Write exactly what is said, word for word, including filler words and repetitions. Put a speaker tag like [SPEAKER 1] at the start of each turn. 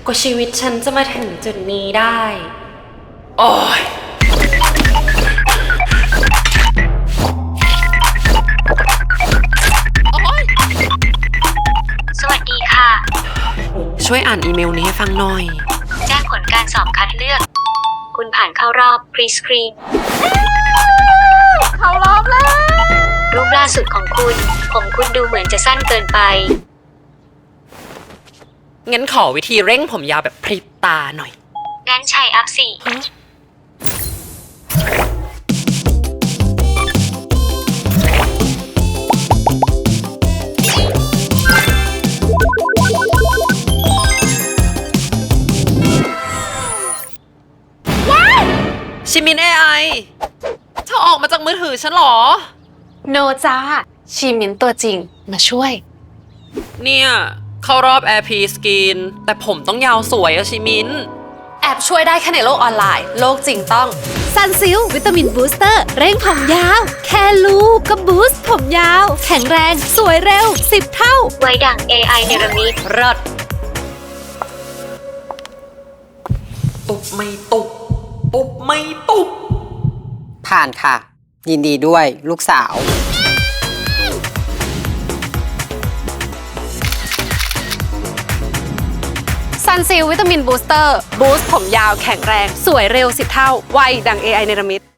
[SPEAKER 1] กว่าชีวิตฉันจะมาถึงจุดนี้ได้ โอ้ย
[SPEAKER 2] สวัสดีค่ะ
[SPEAKER 1] ช่วยอ่านอีเมลนี้ให้ฟังหน่อย
[SPEAKER 2] แจ้งผลการสอบคัดเลือก คุณผ่านเข้ารอบ Pre-screen
[SPEAKER 1] เข้ารอบแล้ว
[SPEAKER 2] รูปล่าสุดของคุณ ผมคุณดูเหมือนจะสั้นเกินไป
[SPEAKER 1] งั้นขอวิธีเร่งผมยาวแบบพริบตาหน่อย
[SPEAKER 2] งั้นใช้อัพสี่
[SPEAKER 1] ชิมิน เอ ไอ เธอออกมาจากมือถือฉันเหรอ
[SPEAKER 3] โนจ้าชีมินตัวจริงมาช่วย
[SPEAKER 1] เนี่ย เข้ารอบ Air P Skin แต่ผมต้องยาวสวยอะชิมิน
[SPEAKER 3] แอบช่วยได้แค่ในโลกออนไลน์ โลกจริงต้องซันซิลวิตามินบูสเตอร์เร่งผมยาว แค่ลูกก็บูสต์ผมยาว แข็งแรงสวยเร็วสิบเท่า
[SPEAKER 2] ไว้ดั่ง เอ ไอ เนรมิต
[SPEAKER 1] เลิศตุบไม่ตุบตุบไม่ตุบ
[SPEAKER 4] ผ่านค่ะ ยินดีด้วยลูกสาว
[SPEAKER 3] ซันซิลวิตามินบูสเตอร์บูสต์ผมยาวแข็งแรง สวยเร็วสิบเท่า ไวดัง เอ ไอ เนรมิต